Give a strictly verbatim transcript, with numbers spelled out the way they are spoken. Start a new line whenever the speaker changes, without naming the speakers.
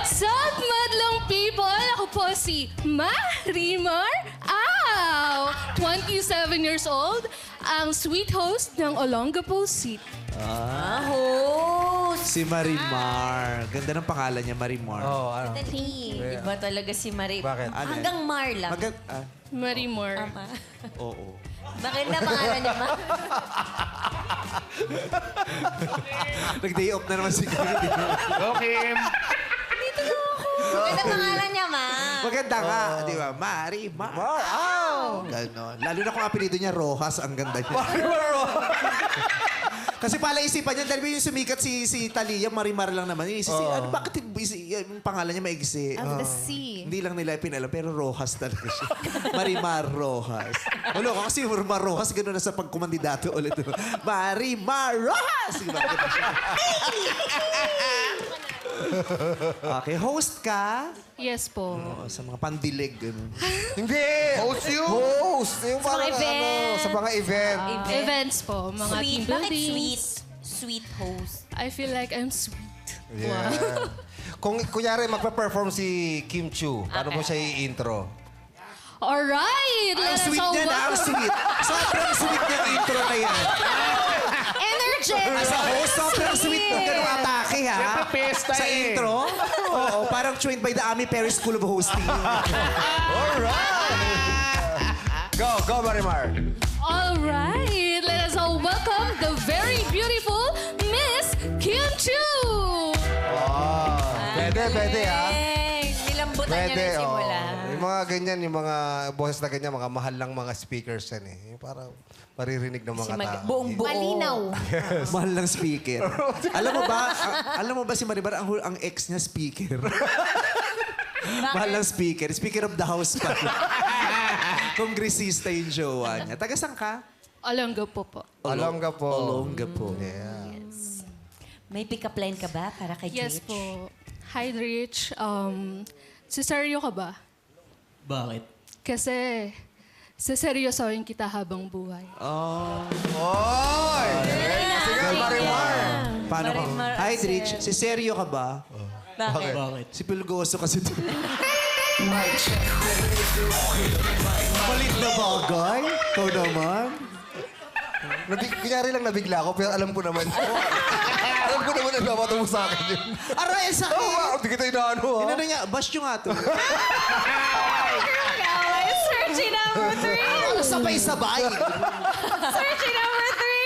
Sup, madlang people? Ako po si Marimar Au, twenty-seven years old, ang sweet host ng Olongapo City.
Ah, host.
Si Marimar. Ganda ng pangalan niya, Marimar.
Oo, ano?
Dali. Iba talaga si Marie.
Bakit?
Ano
Hanggang Mar lang.
Magand... Ah,
Marimar.
Tama.
oo.
Bakit na pangalan niya, Ma?
Nag-day off na naman si Kim.
Go, Kim!
Bakit na pangalan niya, Ma?
Maganda nga, di ba? Marimar.
Wow!
Ganon. Lalo na kung apelido niya, Rojas, ang ganda niya. Kasi pala isipan niya, dahil yung sumikat si si Talia, Marimar lang naman. Yung isisi, ano, bakit yung, isi- yung pangalan niya maigsi?
Of the
Ah.
sea.
Hindi lang nila pinalam, pero Rojas talaga siya. Marimar Rojas. Wala ko kasi Marimar Rojas, gano'n na sa pagkumandidato ulit. Marimar Rojas! Diba? Okay, host ka?
Yes po.
Oo, sa mga pandilig, gano'n.
Hindi! Host you? Host! Yung
Sa mga
parang
event.
Ano, sa mga event.
Event.
Events po, mga
Sweet.
team
Bakit
buildings.
sweet? Sweet host.
I feel like I'm sweet.
Yeah. Kung kunyari magpa-perform si Kim Chu, paano mo siya i-intro?
Alright!
Ang
Let us
sweet
all
niya na, ang
welcome-
sweet. Sobrang sweet niya ang intro na yan.
Energetic!
As a host, sobrang sweet ng ganung atake, ha?
Siyempre, pesta
Sa
eh.
intro? Oo, parang trained by the Ami Perry School of Hosting.
Alright! Go, go, Marimar!
Alright! Let us all welcome the very beautiful Miss Kim Chu!
Pwede, pwede, ha?
Hey, nilambutan niya
Pwede,
na yung
oh.
simula.
Yung mga ganyan, yung mga boses na ganyan, mga mahal lang mga speakers yan eh. Yung parang maririnig ng mga
Si mag-
tao.
buong buo. Malinaw.
Mahal ng speaker. alam mo ba, a- alam mo ba si Maribar, ang, hu- ang ex niya speaker. Mahal ng speaker. Speaker of the house pa. Kongresista yung jowa niya. Taga saan ka?
Olongapo po.
Alongga po.
Olonga po.
Yeah.
May pick-up line ka ba para kay
Yes
Jitch?
po. Hi, Rich. Um, siseryo ka ba?
Bakit?
Kasi seseryosohin kita habang buhay.
Oh.
Oy! Sige, Marimar!
Paano ka?
Marimar
Hi,
Arcel.
Rich. Si seryo ka ba?
Bakit?
Bakit?
Si Pulgoso kasi to. Malit na bagay? Ikaw naman?
Nabig, kunyari lang nabigla ako, pero alam ko naman. alam ko naman nagbabato mo sa akin yun.
Aray, sa
Oo, oh, hindi kita inaano, ha?
Inano niya, bash nyo nga to.
Searching number three!
Ano sabay-sabay?
Searching number three!